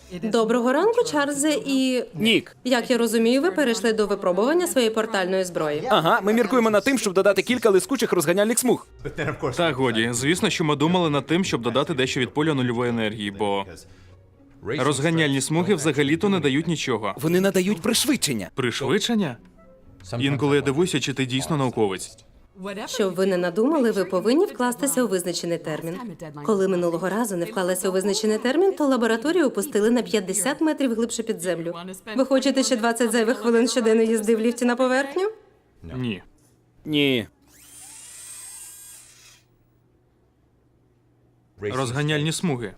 Доброго ранку, Чарльзе і... Нік. Як я розумію, ви перейшли до випробування своєї портальної зброї. Ага, ми міркуємо над тим, щоб додати кілька лискучих розганяльних смуг. Та годі, звісно, що ми думали над тим, щоб додати дещо від поля нульової енергії, бо розганяльні смуги взагалі-то не дають нічого. Вони надають пришвидшення. Пришвидшення? Інколи я дивуюся, чи ти дійсно науковець. Щоб ви не надумали, ви повинні вкластися у визначений термін. Коли минулого разу не вклалися у визначений термін, то лабораторію опустили на 50 метрів глибше під землю. Ви хочете ще 20 зайвих хвилин щоденно їзди в ліфті на поверхню? Ні. Ні. Розганяльні смуги.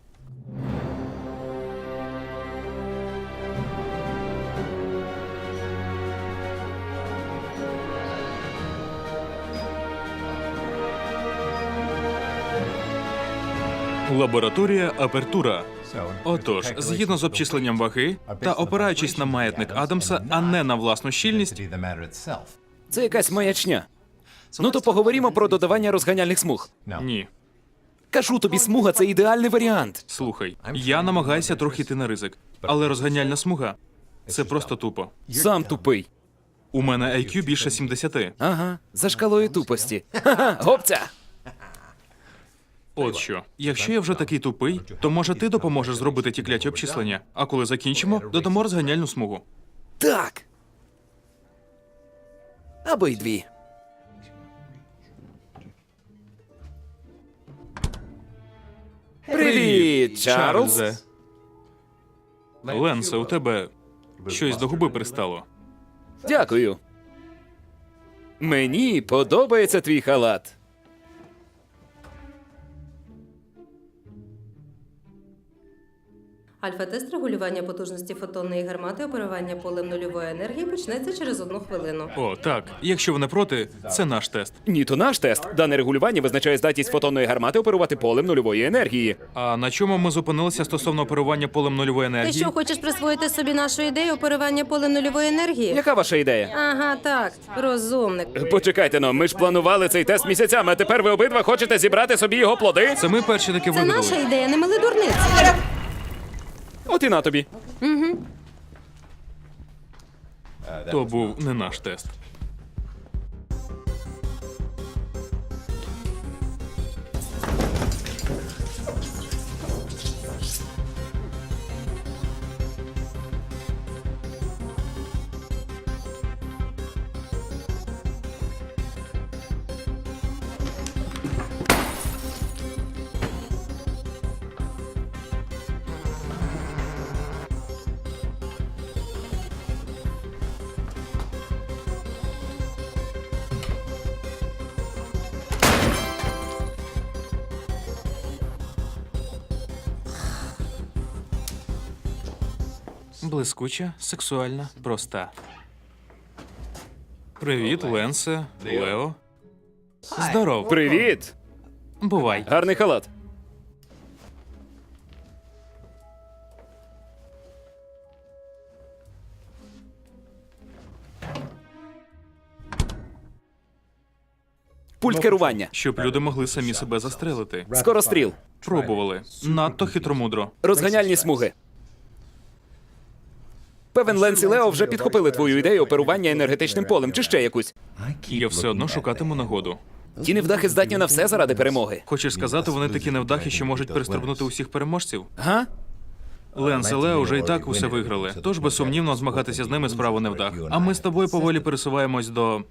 Лабораторія Апертура. Отож, згідно з обчисленням ваги та опираючись на маятник Адамса, а не на власну щільність, Це якась маячня. Ну то поговоримо про додавання розганяльних смуг. ні. Кажу тобі, смуга – це ідеальний варіант. Слухай, я намагаюся трохи йти на ризик, але розганяльна смуга – це просто тупо. Сам тупий. У мене IQ більше 70. Ага, за шкалою тупості. Ха-ха, гопця! От що, якщо я вже такий тупий, то може ти допоможеш зробити ті кляті обчислення, а коли закінчимо, додамо розганяльну смугу. Так. Або й дві. Привіт, Чарльз. Чарльзе. Ленсе, у тебе щось до губи пристало. Дякую. Мені подобається твій халат. Альфа-тест регулювання потужності фотонної гармати оперування полем нульової енергії почнеться через 1 хвилину. О, так. Якщо ви не проти, це наш тест. Ні, то наш тест. Дане регулювання визначає здатність фотонної гармати оперувати полем нульової енергії. А на чому ми зупинилися стосовно оперування полем нульової Ти енергії? що, хочеш присвоїти собі нашу ідею оперування полем нульової енергії? Яка ваша ідея? Ага, так, розумник. Почекайте, но ми ж планували цей тест місяцями, а тепер ви обидва хочете зібрати собі його плоди? Це ми перші таки Це наша вигадали. ідея, не мили дурниці. От і на тобі. То був не наш тест. Блискуча, сексуальна, проста. Привіт, Ленсе, Лео. Здоров. Привіт! Бувай. Гарний халат. Пульт керування. Щоб люди могли самі себе застрелити. Скоростріл. Пробували. Надто хитромудро. Розганяльні смуги. Певен, Ленс і Лео вже підхопили твою ідею оперування енергетичним полем, чи ще якусь. Я все одно шукатиму нагоду. Ті невдахи здатні на все заради перемоги. Хочеш сказати, вони такі невдахи, що можуть перестрибнути усіх переможців? Га? Ленс і Лео вже і так усе виграли, тож безсумнівно змагатися з ними справа невдах. А ми з тобою поволі пересуваємось до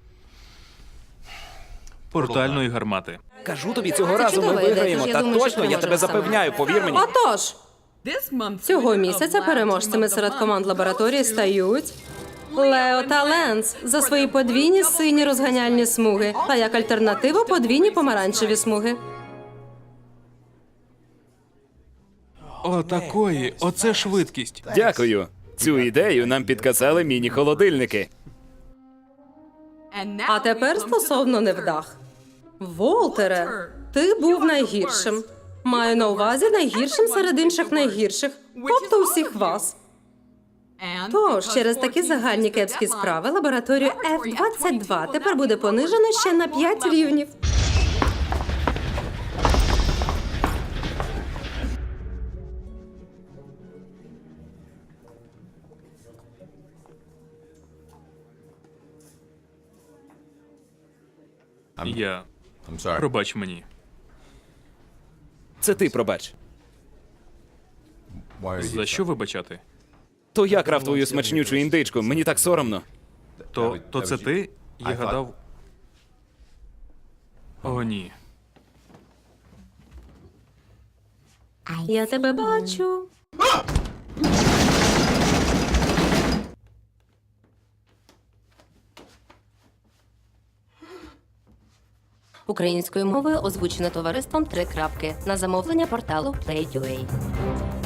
портальної гармати. Кажу тобі, цього разу ми чудова ідея, виграємо. тож я Так думаю, що точно, я тебе переможемо саме. запевняю, повір мені. Отож, цього місяця переможцями серед команд лабораторії стають Лео та Ленс за свої подвійні сині розганяльні смуги, а як альтернативу подвійні помаранчеві смуги. О, такої, оце швидкість. Дякую. Цю ідею нам підказали міні-холодильники. А тепер стосовно невдах. Волтере, ти був найгіршим. Маю на увазі найгіршим серед інших найгірших, тобто усіх вас. Тож, через такі загальні кепські справи лабораторію F-22 тепер буде понижено ще на 5 рівнів. Я. Пробач мені. Це ти пробач. За що вибачати? То я крав твою смачнючу індичку, мені так соромно. То це ти? Я гадав. О, ні. Я тебе бачу. Українською мовою озвучено товариством «Три крапки» на замовлення порталу Play.ua.